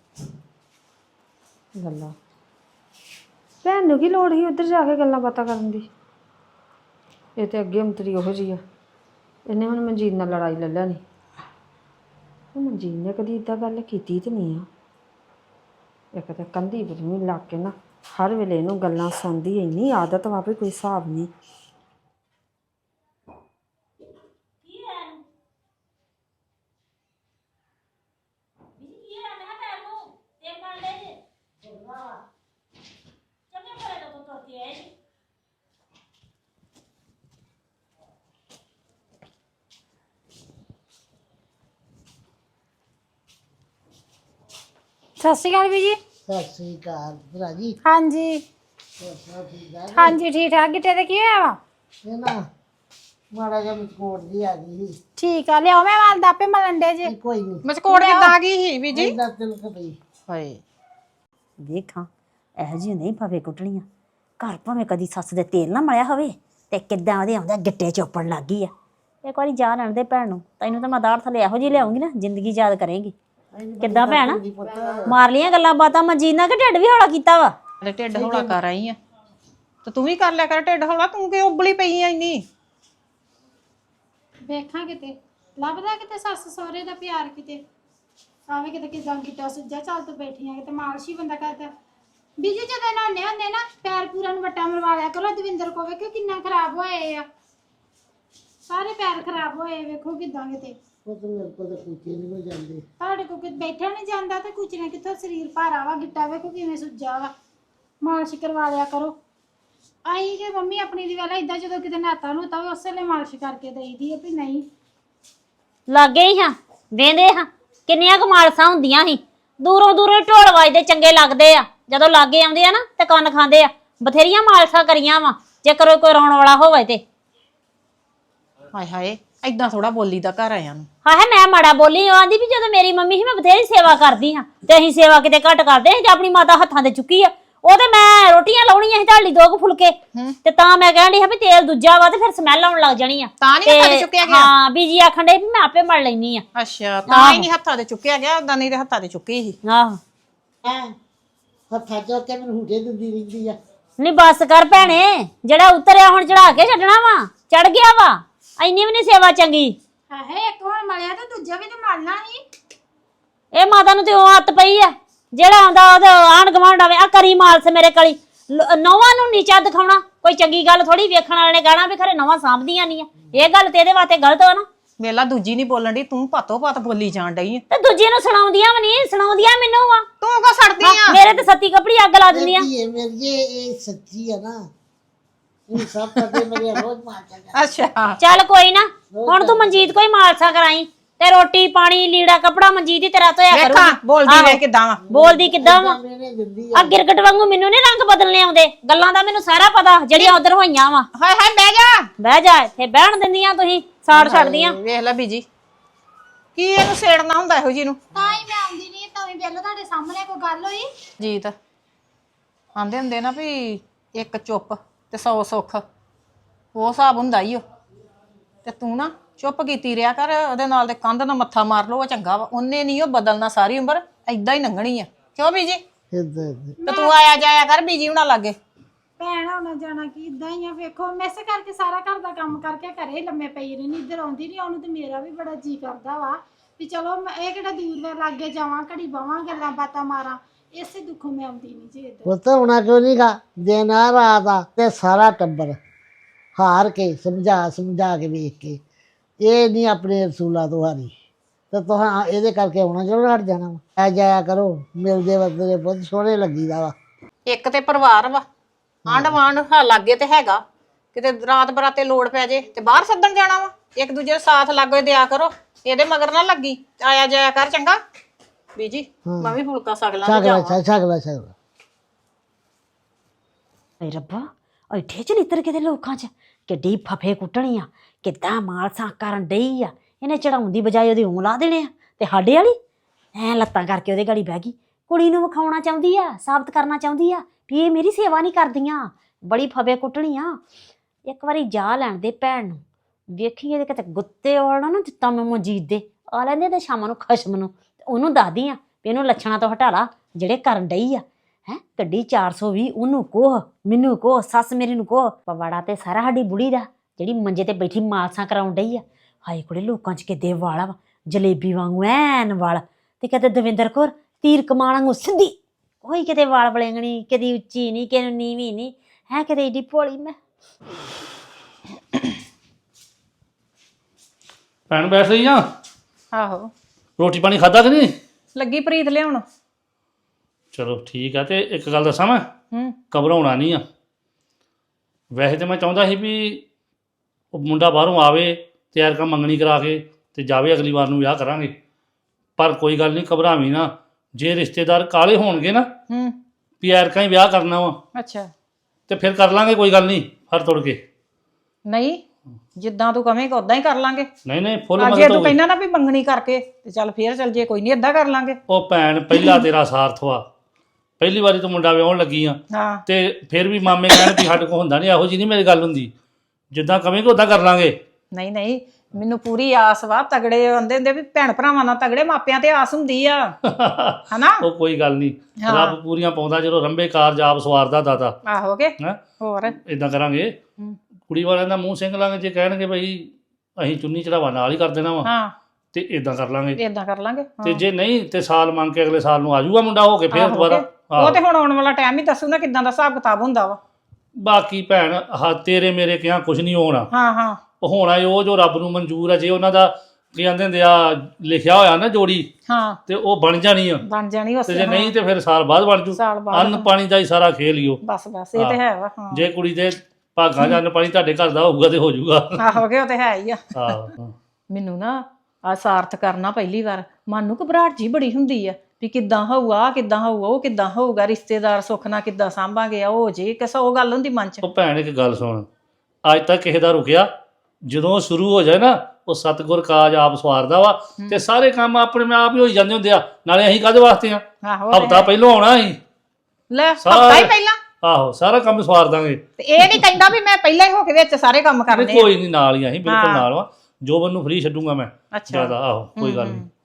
ਗੱਲਾਂ ਭੈਣ ਨੂੰ ਕੀ ਲੋੜ ਸੀ ਉੱਧਰ ਜਾ ਕੇ ਗੱਲਾਂ ਬਾਤਾਂ ਕਰਨ ਦੀ। ਇਹ ਤੇ ਅੱਗੇ ਅੰਤਰੀ ਉਹੋ ਜਿਹੀ ਆ, ਇਹਨੇ ਹੁਣ ਮਨਜੀਤ ਨਾਲ ਲੜਾਈ ਲੈ ਲੈਣੀ। ਉਹ ਮਨਜੀਤ ਨੇ ਕਦੀ ਇੱਦਾਂ ਗੱਲ ਕੀਤੀ ਤੇ ਨਹੀਂ ਆ। ਇੱਕ ਤਾਂ ਕੰਧੀ ਬਰਮੀ ਲੱਗ ਕੇ ਨਾ ਹਰ ਵੇਲੇ ਇਹਨੂੰ ਗੱਲਾਂ ਸੁਣਦੀ, ਇੰਨੀ ਆਦਤ ਵਾ ਵੀ ਕੋਈ ਹਿਸਾਬ ਨਹੀਂ। ਸਤਿ ਸ਼੍ਰੀ ਅਕਾਲ ਵੀ ਜੀ। ਸਤਿ ਸ੍ਰੀ ਅਕਾਲ ਭਰਾ ਜੀ। ਹਾਂਜੀ ਹੋਰ ਸਭ ਠੀਕ ਠਾਕ? ਹਾਂਜੀ ਠੀਕ ਠਾਕ। ਗਿੱਟੇ ਤੇ ਕੀ ਹੋਇਆ ਵਾ? ਇਹ ਨਾ ਮਾੜਾ ਜਿਹਾ ਮਚਕੋਟ ਜੀ ਆ ਗਈ ਸੀ। ਠੀਕ ਆ, ਲਿਆਓ ਮੈਂ ਵਾਲ ਦਾਪੇ ਮਲਣ ਦੇ ਜੇ। ਇਹ ਕੋਈ ਨਹੀਂ ਮਸਕੋੜ ਕਿੱਦਾਂ ਆ ਗਈ ਸੀ ਬੀਜੀ? ਇਹਦਾ ਤਿਲਕ ਪਈ। ਹਾਏ ਵੇਖਾਂ ਇਹੋ ਜਿਹੀ ਨਹੀਂ ਭਾਵੇਂ ਕੁੱਟਣੀਆਂ ਘਰ ਭਾਵੇਂ ਕਦੀ ਸੱਸ ਦੇ ਤੇਲ ਨਾ ਮਲਿਆ ਹੋਵੇ ਤੇ ਕਿੱਦਾਂ ਉਹਦੇ ਆਉਂਦੇ ਗਿੱਟੇ ਚੋਪਣ ਲੱਗ ਗਈ ਆ। ਇੱਕ ਵਾਰੀ ਜਾ ਲੈਣ ਦੇ ਭੈਣ ਨੂੰ, ਤੈਨੂੰ ਤਾਂ ਮੈਂ ਦਾੜ ਥੱਲੇ ਇਹੋ ਜਿਹੀ ਲਿਆਉਂਗੀ ਨਾ ਜ਼ਿੰਦਗੀ ਯਾਦ ਕਰੇਂਗੀ। ਕਿੱਦਾਂ ਭੈਣ ਮਾਰ ਲੀਆਂ ਗੱਲਾਂ ਬਾਤਾਂ ਮਜੀਨਾ ਕਿ ਢਿੱਡ ਵੀ ਹੌਲਾ ਕੀਤਾ ਵਾ? ਹਲੇ ਢਿੱਡ ਹੌਲਾ ਕਰ ਆਈ ਆ ਤੇ ਤੂੰ ਵੀ ਕਰ ਲਿਆ ਕਰ ਢਿੱਡ ਹੌਲਾ। ਤੂੰ ਕਿ ਉਬਲੀ ਪਈ ਆ ਇੰਨੀ? ਵੇਖਾਂ ਕਿਤੇ ਲੱਭਦਾ ਕਿਤੇ ਸੱਸ ਸਹੁਰੇ ਦਾ ਪਿਆਰ, ਕਿਤੇ ਆਵੇ ਕਿਤੇ ਕਿਦਾਂ ਕੀਤਾ ਸੁੱਜਾ ਚੱਲ ਤੂੰ ਬੈਠੀਆਂ ਕਿਤੇ ਮਾਲਸ਼ ਹੀ ਬੰਦਾ ਕਰਦਾ। ਬੀਜੀ ਜਦੋਂ ਨਹਾਉਂਦੇ ਹੁੰਦੇ ਨਾ ਪੈਰ ਪੂਰਾ ਨੂੰ ਵੱਟਾ ਮਰਵਾ ਲਿਆ ਕਰੋ। ਦਵਿੰਦਰ ਕੋ ਵੇਖੋ ਕਿੰਨਾ ਖਰਾਬ ਹੋਏ ਆ, ਸਾਰੇ ਪੈਰ ਖਰਾਬ ਹੋਏ ਵੇਖੋ ਕਿਦਾਂ ਕਿਤੇ। ਉਹ ਤਾਂ ਮੇਰੇ ਕੋਲ ਤਾਂ ਕੁੱਤੇ ਨਹੀਂ ਹੋ ਜਾਂਦੇ। ਤੁਹਾਡੇ ਕੋ ਕਿ ਬੈਠਾ ਨਹੀਂ ਜਾਂਦਾ ਤੇ ਕੁਝ ਨੇ ਕਿੱਥੋਂ ਸਰੀਰ ਭਾਰਾ ਵਾ, ਗਿੱਟਾ ਵੇਖੋ ਕਿਵੇਂ ਸੁੱਜਾ ਵਾ। ਮਾਲਸ਼ ਕਰਵਾ ਲਿਆ ਕਰੋ। ਆਈ ਕਿ ਮੰਮੀ ਆਪਣੀ ਦੀ ਵੇਲਾ ਇਦਾਂ ਜਦੋਂ ਕਿਤੇ ਨਾਤਾ ਨੂੰ ਤਾਂ ਉਸੇ ਵੇਲੇ ਮਾਲਸ਼ ਕਰਕੇ ਦੇਈਦੀ ਆ ਵੀ ਨਹੀਂ। ਲਾਗੇ ਹੀ ਹਾਂ ਵੇਂਦੇ ਹਾਂ ਕਿੰਨੀਆਂ ਕੁ ਮਾਲਸਾਂ ਹੁੰਦੀਆਂ ਸੀ। ਦੂਰੋਂ ਦੂਰੋਂ ਢੋਲ ਵੱਜਦੇ ਚੰਗੇ ਲੱਗਦੇ ਆ, ਜਦੋਂ ਲਾਗੇ ਆਉਂਦੇ ਆ ਨਾ ਤੇ ਕੰਨ ਖਾਂਦੇ ਆ। ਬਥੇਰੀਆਂ ਮਾਲਸਾਂ ਕਰੀਆਂ ਵਾ, ਜੇ ਕਰੋ ਕੋਈ ਰੌਣ ਵਾਲਾ ਹੋਵੇ ਤੇ। ਹਾਏ ਹਾਏ ਏਦਾਂ ਥੋੜਾ ਬੋਲੀ ਦਾ ਘਰ ਆਇਆ ਨੂੰ। ਹਾਂ ਹੈ ਮੈਂ ਮਾੜਾ ਬੋਲੀ। ਉਹ ਆਂਦੀ ਵੀ ਜਦੋਂ ਮੇਰੀ ਮੰਮੀ ਸੀ ਮੈਂ ਬਥੇਰੀ ਸੇਵਾ ਕਰਦੀ ਹਾਂ ਤੇ ਅਸੀਂ ਸੇਵਾ ਕਿਤੇ ਘੱਟ ਕਰਦੇ ਸੀ ਤੇ ਆਪਣੀ ਮਾਤਾ ਹੱਥਾਂ ਤੇ ਚੁੱਕੀ ਆ। ਉਹ ਤੇ ਮੈਂ ਰੋਟੀਆਂ ਲਾਉਣੀਆਂ ਸੀ ਢਾਲੀ ਦੋ ਕੁ ਫੁਲਕੇ ਤੇ ਤਾਂ ਮੈਂ ਕਹਿਣ ਡਈ ਹਾਂ ਵੀ ਤੇਲ ਦੂਜਾ ਵਾ ਤੇ ਫਿਰ ਸਮੈਲ ਆਉਣ ਲੱਗ ਜਾਣੀ ਆ। ਤਾਂ ਨਹੀਂ ਹੱਥਾਂ ਤੇ ਚੁੱਕਿਆ ਗਿਆ? ਹਾਂ ਬੀਜੀ ਆਖਣ ਡੇ ਵੀ ਮੈਂ ਆਪੇ ਮੜ ਲੈਣੀ ਆ। ਅੱਛਾ ਤਾਂ ਹੀ ਨਹੀਂ ਹੱਥਾਂ ਤੇ ਚੁੱਕਿਆ ਗਿਆ, ਉਦਾਂ ਨਹੀਂ ਤੇ ਹੱਥਾਂ ਤੇ ਚੁੱਕੀ ਸੀ। ਆਹੋ ਹੈਂ ਹੱਥਾਂ ਚੋਂ ਕੇ ਮੈਨੂੰ ਹੁਟੇ ਦਿੰਦੀ ਰਹਿੰਦੀ ਆ। ਨਹੀਂ ਬੱਸ ਕਰ ਭੈਣੇ, ਜਿਹੜਾ ਉਤਰਿਆ ਹੁਣ ਚੜਾ ਕੇ ਛੱਡਣਾ ਵਾ। ਚੜ ਗਿਆ ਵਾ, ਇੰਨੀ ਵੀ ਨਹੀਂ ਸੇਵਾ ਚੰਗੀ। ਹਾਏ ਇੱਕ ਹੁਣ ਮਲਿਆ ਤੇ ਦੂਜਾ ਵੀ ਤੇ ਮਲਣਾ ਸੀ। ਇਹ ਮਾਤਾ ਨੂੰ ਤੇ ਉਹ ਹੱਥ ਪਈ ਆ, ਜਿਹੜਾ ਆਉਂਦਾ ਉਹਦੇ ਆਂਢ ਗੁਆਂਢ ਆਵੇ ਆ ਕਰੀ ਮਾਲਸ ਮੇਰੇ ਕਲੀ। ਨੌਵਾਂ ਨੂੰ ਨੀਚਾ ਦਿਖਾਉਣਾ ਕੋਈ ਚੰਗੀ ਗੱਲ ਥੋੜੀ। ਵੇਖਣ ਵਾਲੇ ਨੇ ਕਹਿਣਾ ਵੀ ਖਰੇ ਨੌਵਾਂ ਸਾਂਭਦੀਆਂ ਨਹੀਂ ਆ। ਇਹ ਗੱਲ ਤੇ ਇਹਦੇ ਵਾਸਤੇ ਗਲਤ ਆ ਨਾ। ਮੇਲਾ ਦੂਜੀ ਨਹੀਂ ਬੋਲਣ ਦੀ, ਤੂੰ ਭਾਤੋ ਭਾਤ ਬੋਲੀ ਜਾਣ ਡਈ ਆ। ਤੇ ਦੂਜੀ ਨੂੰ ਸੁਣਾਉਂਦੀਆਂ ਵੀ ਨਹੀਂ, ਸੁਣਾਉਂਦੀਆਂ ਮੈਨੂੰ ਆ। ਤੂੰ ਕੋ ਸੜਦੀ ਆ? ਮੇਰੇ ਤੇ ਸੱਤੀ ਕਪੜੀ ਅੱਗ ਲਾ ਦਿੰਦੀਆਂ। ਇਹ ਮੇਰੀ ਇਹ ਸੱਚੀ ਆ ਨਾ। ਇਹ ਸਭ ਪਤੇ ਮੇਰੇ ਰੋਜ਼ ਮਾਰ ਜਾਂਦਾ। ਅੱਛਾ ਚੱਲ ਕੋਈ ਨਾ, ਹੁਣ ਤੂੰ ਮਨਜੀਤ ਕੋਈ ਮਾਲਸਾ ਕਰਾਈ ਤੇ ਰੋਟੀ ਪਾਣੀ ਲੀੜਾ ਕਪੜਾ ਮਨਜੀਤ ਹੀ ਤੇਰਾ ਧੋਇਆ ਵੇਖਾਂ ਕਰੂਗੀ। ਬੋਲਦੀ ਵੇ ਕਿਦਾਂ ਵਾ। ਬੋਲਦੀ ਕਿੱਦਾਂ ਵਾ? ਮੈਨੇ ਦਿੰਦੀ ਆ ਗਿਰਗਟ ਵਾਂਗੂ ਮੈਨੂੰ ਨੀ ਰੰਗ ਬਦਲਨੇ ਆਉਂਦੇ। ਗੱਲਾਂ ਦਾ ਮੈਨੂੰ ਸਾਰਾ ਪਤਾ ਜਿਹੜੀਆਂ ਉਧਰ ਹੋਈਆਂ ਵਾ। ਹਾਏ ਹਾਏ ਬਹਿ ਜਾ। ਬਹਿ ਜਾ ਇੱਥੇ, ਬਹਿਣ ਦਿੰਦੀਆਂ ਤੁਸੀਂ ਸਾੜ ਛੱਡਦੀਆਂ। ਵੇਖ ਲੈ ਬੀਜੀ ਕੀ ਇਹਨੂੰ ਸੇੜਨਾ ਹੁੰਦਾ ਇਹੋ ਜੀ ਨੂੰ। ਤਾਂ ਹੀ ਮੈਂ ਆਉਂਦੀ ਨਹੀਂ, ਤਾਂ ਵੀ ਪਹਿਲਾਂ ਤੁਹਾਡੇ ਸਾਹਮਣੇ ਕੋਈ ਗੱਲ ਹੋਈ। ਜੀਤ ਆਂਦੇ ਹੁੰਦੇ ਨਾ ਵੀ ਇੱਕ ਚੁੱਪ ਤੇ ਸੌ ਸੁੱਖ, ਉਹ ਹਿਸਾਬ ਹੁੰਦਾ ਹੀ ਉਹ। ਤੇ ਤੂੰ ਨਾ ਚੁੱਪ ਕੀਤੀ ਰਿਹਾ ਕਰ, ਉਹਦੇ ਨਾਲ ਦੇ ਕੰਧ ਨਾਲ ਮੱਥਾ ਮਾਰ ਲਓ, ਉਹ ਚੰਗਾ ਵਾ। ਉਹਨੇ ਨਹੀਂ ਉਹ ਬਦਲਣਾ, ਸਾਰੀ ਉਮਰ ਏਦਾਂ ਹੀ ਲੰਘਣੀ ਆ। ਕਿਉਂ ਬੀਜੀ? ਇੱਦਾਂ ਤੇ ਤੂੰ ਆਇਆ ਜਾਇਆ ਕਰ ਬੀਜੀ ਹੁਣਾਂ ਲਾਗੇ। ਭੈਣ ਆਉਣਾ ਜਾਣਾ ਕੀ ਇਦਾਂ ਹੀ ਆ। ਵੇਖੋ ਮੈਸੇ ਕਰਕੇ ਸਾਰਾ ਘਰ ਦਾ ਕੰਮ ਕਰਕੇ ਘਰੇ ਲੰਮੇ ਪਈ ਰਹਿਣੀ, ਇੱਧਰ ਆਉਂਦੀ ਨਹੀਂ। ਉਹਨੂੰ ਤੇ ਮੇਰਾ ਵੀ ਬੜਾ ਜੀ ਕਰਦਾ ਵਾ ਵੀ ਚਲੋ ਮੈਂ ਇਹ ਕਿਹੜਾ ਦੂਰ ਵੇ ਲਾਗੇ ਜਾਵਾਂ, ਘੜੀ ਬਾਵਾਂ ਗੱਲਾਂ ਬਾਤਾਂ ਮਾਰਾਂ। ਇਸੇ ਦੁੱਖੋਂ ਮੈਂ ਆਉਂਦੀ ਨਹੀਂ ਜੀ ਇੱਧਰ। ਪੁੱਤ ਹੋਣਾ ਕਿਉਂ ਨਹੀਂ ਗਾ? ਦਿਨ ਆ ਰਾਤ ਆ ਤੇ ਸਾਰਾ ਟੱਬਰ ਹਾਰ ਕੇ ਸਮਝਾ ਸਮਝਾ ਕੇ ਵੇਖ ਕੇ ਇਹ ਨਹੀਂ ਆਪਣੇ ਰਸੂਲਾਂ ਤੋਂ ਹਾਰੀ ਤੇ ਤੁਹਾਂ ਇਹਦੇ ਕਰਕੇ ਆਉਣਾ ਚਲੋ ਹਟ ਜਾਣਾ ਵਾ। ਆ ਜਾਇਆ ਕਰੋ, ਮਿਲਦੇ ਵਰਤਦੇ ਬਹੁਤ ਸੋਹਣੇ ਲੱਗੀਦਾ ਵਾ। ਇੱਕ ਤੇ ਪਰਿਵਾਰ ਵਾ, ਆਂਢ ਗੁਆਂਢ ਹਾਂ ਲਾਗੇ ਤੇ ਹੈਗਾ। ਕਿਤੇ ਰਾਤ ਬਰਾਤੇ ਲੋੜ ਪੈ ਜੇ ਤੇ ਬਾਹਰ ਸੱਦਣ ਜਾਣਾ ਵਾ। ਇੱਕ ਦੂਜੇ ਦਾ ਸਾਥ ਲਾਗੇ ਦਿਆ ਕਰੋ, ਇਹਦੇ ਮਗਰ ਨਾ ਲੱਗੀ। ਆਇਆ ਜਾਇਆ ਕਰ ਚੰਗਾ ਬੀਜੀ। ਮੈਂ ਵੀ ਫੁਲਕਾ ਸਕ ਲਾਂ ਤੇ ਛਕਲਾ ਜਾਵਾਂ। ਛਕਲਾ ਛਕਲਾ ਏ ਰੱਬਾ ਐਠੇ ਚ ਲਿੱਤਰ ਕਿਤੇ ਲੋਕਾਂ ਚ ਕਿੱਡੀ ਫਫੇ ਕੁੱਟਣੀ ਆ, ਕਿੱਦਾਂ ਮਾਲਸਾਂ ਕਰਨ ਡਈ ਆ। ਇਹਨੇ ਚੜਾਉਣ ਦੀ ਬਜਾਏ ਉਹਦੇ ਊਂ ਲਾ ਦੇਣੇ ਆ ਤੇ ਸਾਡੇ ਵਾਲੀ ਐ ਲੱਤਾਂ ਕਰਕੇ ਉਹਦੇ ਗਾੜੀ ਬਹਿ ਗਈ। ਕੁੜੀ ਨੂੰ ਵਿਖਾਉਣਾ ਚਾਹੁੰਦੀ ਆ, ਸਾਬਤ ਕਰਨਾ ਚਾਹੁੰਦੀ ਆ ਵੀ ਇਹ ਮੇਰੀ ਸੇਵਾ ਨਹੀਂ ਕਰਦੀਆਂ। ਬੜੀ ਫਫੇ ਕੁੱਟਣੀ ਆ। ਇੱਕ ਵਾਰੀ ਜਾ ਲੈਣ ਦੇ ਭੈਣ ਨੂੰ, ਵੇਖੀ ਇਹਦੇ ਕਿਤੇ ਗੁੱਤੇ ਵਾਲਾ ਨਾ ਦਿੱਤਾ ਮੈਂ ਮਨਜੀਤ ਦੇ ਆ ਲੈਂਦੇ ਤੇ ਸ਼ਾਮਾਂ ਨੂੰ ਖਸ਼ਮ ਨੂੰ ਉਹਨੂੰ ਦੱਸਦੀ ਆ ਵੀ ਇਹਨੂੰ ਲੱਛਣਾਂ ਤੋਂ ਹਟਾ ਲਾ ਜਿਹੜੇ ਕਰਨ ਡਈ ਆ। ਹੈਂ ਗੱਡੀ ਚਾਰ ਸੌ ਵੀਹ ਉਹਨੂੰ ਕੋਹ, ਮੈਨੂੰ ਕੋਹ, ਸੱਸ ਮੇਰੀ ਨੂੰ ਕੋਹ। ਪਵਾੜਾ ਤੇ ਸਾਰਾ ਸਾਡੀ ਬੁੜੀ ਦਾ ਜਿਹੜੀ ਮੰਜੇ ਤੇ ਬੈਠੀ ਮਾਲਸਾਂ ਕਰਾਉਣ ਡਈ ਆ। ਹਾਏ ਕੁੜੇ ਲੋਕਾਂ 'ਚ ਕਿੱਦੇ ਵਾਲਾ ਵਾ, ਜਲੇਬੀ ਵਾਂਗੂ ਐਨ ਵਾਲ। ਤੇ ਕਿਤੇ ਦਵਿੰਦਰ ਕੌਰ ਤੀਰ ਕਮਾਨ ਵਾਂਗੂ ਸਿੱਧੀ, ਕੋਈ ਕਿਤੇ ਵਾਲ ਵਲੇਂਗਣੀ, ਕਦੀ ਉੱਚੀ ਨਹੀਂ, ਕਿਸੇ ਨੂੰ ਨੀਵੀਂ ਨਹੀਂ। ਹੈ ਕਿਤੇ ਏਡੀ ਭੋਲੀ ਮੈਂ। ਭੈਣ ਬੈਠ ਰਹੀ ਆ? ਆਹੋ ਰੋਟੀ ਪਾਣੀ ਖਾਦਾ ਕਿ ਨਹੀਂ? ਲੱਗੀ ਪ੍ਰੀਤ ਲਿਆਉਣ। ਚਲੋ ਠੀਕ ਆ। ਤੇ ਇੱਕ ਗੱਲ ਦੱਸਾਂ ਮੈਂ, ਹੂੰ ਘਬਰਾਉਣਾ ਨਹੀਂ ਆ। ਵੈਸੇ ਤਾਂ ਮੈਂ ਚਾਹੁੰਦਾ ਸੀ ਵੀ ਉਹ ਮੁੰਡਾ ਬਾਹਰੋਂ ਆਵੇ, ਤਿਆਰ ਕੰਮ ਮੰਗਣੀ ਕਰਾ ਕੇ ਤੇ ਜਾਵੇ, ਅਗਲੀ ਵਾਰ ਨੂੰ ਵਿਆਹ ਕਰਾਂਗੇ। ਪਰ ਕੋਈ ਗੱਲ ਨਹੀਂ, ਘਬਰਾਵੀਂ ਨਾ। ਜੇ ਰਿਸ਼ਤੇਦਾਰ ਕਾਲੇ ਹੋਣਗੇ ਨਾ ਹੂੰ ਵੀ ਐਰਕਾਂ ਹੀ ਵਿਆਹ ਕਰਨਾ ਵਾ ਅੱਛਾ ਤੇ ਫਿਰ ਕਰ ਲਾਂਗੇ, ਕੋਈ ਗੱਲ ਨਹੀਂ, ਹਰ ਤੁਰ ਕੇ। ਨਹੀਂ ਜਿੱਦਾਂ ਤੂੰ ਕਵੇਂਗਾ ਉਦਾਂ ਹੀ ਕਰ ਲਾਂਗੇ। ਨਹੀਂ ਨਹੀਂ ਫੁੱਲ ਆ ਜੇ ਮਦਦ ਤੂੰ ਹੋਊਗੀ। ਕਹਿੰਦਾ ਨਾ ਵੀ ਮੰਗਣੀ ਕਰਕੇ ਤੇ ਚੱਲ ਫੇਰ ਚੱਲ ਜੇ, ਕੋਈ ਨਹੀਂ ਏਦਾਂ ਕਰ ਲਾਂਗੇ। ਉਹ ਭੈਣ ਪਹਿਲਾ ਤੇਰਾ ਸਾਰਥ ਵਾ, ਪਹਿਲੀ ਵਾਰੀ ਤੂੰ ਮੁੰਡਾ ਵਿਆਹਣ ਲੱਗੀ ਆ ਹਾਂ ਤੇ ਫਿਰ ਵੀ ਮਾਮੇ ਕਹਿਣ ਵੀ ਸਾਡੇ ਕੋਲ ਹੁੰਦਾ ਨਹੀਂ, ਇਹੋ ਜਿਹੀ ਨਹੀਂ ਮੇਰੀ ਗੱਲ ਹੁੰਦੀ, ਜਿੱਦਾਂ ਕਵੇਂਗੇ ਉਦਾਂ ਕਰ ਲਾਂਗੇ। ਨਹੀਂ ਨਹੀਂ ਮੈਨੂੰ ਪੂਰੀ ਆਸ ਵਾ, ਤਗੜੇ ਹੁੰਦੇ ਹੁੰਦੇ ਵੀ ਭੈਣ ਭਰਾਵਾਂ ਨਾਲ ਤਗੜੇ ਮਾਪਿਆਂ ਤੇ ਆਸ ਹੁੰਦੀ ਆ ਹਨਾ। ਉਹ ਕੋਈ ਗੱਲ ਨਹੀਂ, ਹਾਂ। ਰੱਬ ਪੂਰੀਆਂ ਪਾਉਂਦਾ ਜਦੋਂ ਰੰਬੇ ਕਾਰਜ ਆਪ ਸਵਾਰਦਾ ਦਾਤਾ। ਆਹੋ ਕੇ ਹੈਂ ਹੋਰ ਇਦਾਂ ਕਰਾਂਗੇ, ਹੂੰ। ਕੁੜੀ ਵਾਲਿਆਂ ਦਾ ਮੂੰਹ ਸਿੰਘ ਲਾਂਗੇ, ਜੇ ਕਹਿਣਗੇ ਬਈ ਅਸੀਂ ਚੁੰਨੀ ਚੜਾਵਾ ਨਾਲ ਹੀ ਕਰ ਦੇਣਾ ਵਾ ਹਾਂ ਤੇ ਇਦਾਂ ਕਰ ਲਾਂਗੇ। ਏਦਾਂ ਕਰ ਲਾਂਗੇ ਤੇ ਹਾਂ। ਜੇ ਨਹੀਂ ਤੇ ਸਾਲ ਮੰਗ ਕੇ ਅਗਲੇ ਸਾਲ ਨੂੰ ਆ ਜਾਊਗਾ ਮੁੰਡਾ ਹੋ ਕੇ ਫੇਰ ਆਹੋ ਦੁਬਾਰਾ। ਕੇ। ਉਹ ਤੇ ਹੁਣ ਆਉਣ ਵਾਲਾ ਟਾਈਮ ਹੀ ਦੱਸੂ ਨਾ ਕਿਦਾਂ ਦਾ ਹਿਸਾਬ ਕਿਤਾਬ ਹੁੰਦਾ ਵਾ। ਬਾਕੀ ਭੈਣ ਹਾਂ ਤੇਰੇ ਮੇਰੇ ਕਿਹਾ ਕੁਝ ਨਹੀਂ ਹੋਣਾ, ਹਾਂ ਹਾਂ ਉਹ ਹੋਣਾ ਉਹ ਜੋ ਰੱਬ ਨੂੰ ਮਨਜ਼ੂਰ ਹੈ। ਜੇ ਉਹਨਾਂ ਦਾ ਕੀ ਕਹਿੰਦੇ ਹੁੰਦੇ ਆ ਲਿਖਿਆ ਹੋਇਆ ਨਾ ਜੋੜੀ ਹਾਂ ਤੇ ਉਹ ਬਣ ਜਾਣੀ ਆ, ਬਣ ਜਾਣੀ ਤੇ ਉਸੇ ਜੇ ਨਹੀਂ ਤੇ ਫਿਰ ਸਾਲ ਬਾਅਦ ਬਣ ਜੂ। ਸਾਲ ਬਾਅਦ ਅੰਨ ਪਾਣੀ ਦਾ ਹੀ ਸਾਰਾ ਖੇਲ ਹੀ ਉਹ। ਬਸ ਬਸ ਇਹ ਤੇ ਹੈ ਵਾ ਹਾਂ। ਜੇ ਕੁੜੀ ਦੇ ਭਾਗਾਂ 'ਚ ਅੰਨ ਪਾਣੀ ਤੁਹਾਡੇ ਘਰ ਦਾ ਹੋਊਗਾ ਤੇ ਹੋ ਜਾਊਗਾ। ਆਹੋ ਕੇ ਉਹ ਤੇ ਹੈ ਹੀ ਆ। ਆਹੋ ਮੈਨੂੰ ਨਾ ਆ ਸਾਰਥ ਕਰਨਾ ਪਹਿਲੀ ਵਾਰ ਮਨ ਨੂੰ ਘਬਰਾਹਟ ਜੀ ਬੜੀ ਹੁੰਦੀ ਆ ਵੀ ਕਿੱਦਾਂ ਹੋਊਗਾ, ਕਿੱਦਾਂ ਹੋਊਗਾ, ਉਹ ਕਿੱਦਾਂ ਹੋਊਗਾ, ਰਿਸ਼ਤੇਦਾਰ ਸੁੱਖ ਨਾਲ ਕਿੱਦਾਂ ਸਾਂਭਾਂਗੇ, ਉਹ ਜੇ ਕਿਸ ਉਹ ਗੱਲ ਹੁੰਦੀ ਮਨ 'ਚ। ਉਹ ਭੈਣ ਇੱਕ ਗੱਲ ਸੁਣ, ਅੱਜ ਤੱਕ ਕਿਸੇ ਦਾ ਰੁਕਿਆ, ਜਦੋਂ ਸ਼ੁਰੂ ਹੋ ਜਾਏ ਨਾ ਉਹ ਸਤਿਗੁਰ ਕਾਜ ਆਪ ਸਵਾਰਦਾ ਵਾ ਤੇ ਸਾਰੇ ਕੰਮ ਆਪਣੇ ਆਪ ਹੀ ਹੋਈ ਜਾਂਦੇ ਹੁੰਦੇ ਆ। ਨਾਲੇ ਅਸੀਂ ਕਾਹਦੇ ਵਾਸਤੇ ਆ, ਆਹੋ ਤੇ ਹਫਤਾ ਪਹਿਲਾਂ ਆਉਣਾ ਅਸੀਂ, ਲੈ ਸਾਰਾ- ਹਫਤਾ ਹੀ ਪਹਿਲਾਂ ਆਹੋ ਸਾਰਾ ਕੰਮ ਸਵਾਰ ਦਾਂਗੇ। ਤੇ ਇਹ ਨਹੀਂ ਕਹਿੰਦਾ ਵੀ ਮੈਂ ਪਹਿਲਾਂ ਹੀ ਹੋ ਕੇ ਵਿੱਚ ਸਾਰੇ ਕੰਮ ਕਰਨੇ ਆ। ਕੋਈ ਨਹੀਂ ਨਾਲ ਹੀ ਅਸੀਂ ਬਿਲਕੁਲ ਹਾਂ। ਨਾਲ ਵਾ, ਜੋਬਨ ਨੂੰ ਫ੍ਰੀ ਛੱਡੂਗਾ ਮੈਂ ਅੱਛਾ ਜ਼ਿਆਦਾ। ਆਹੋ ਕੋਈ ਗੱਲ ਨਹੀਂ।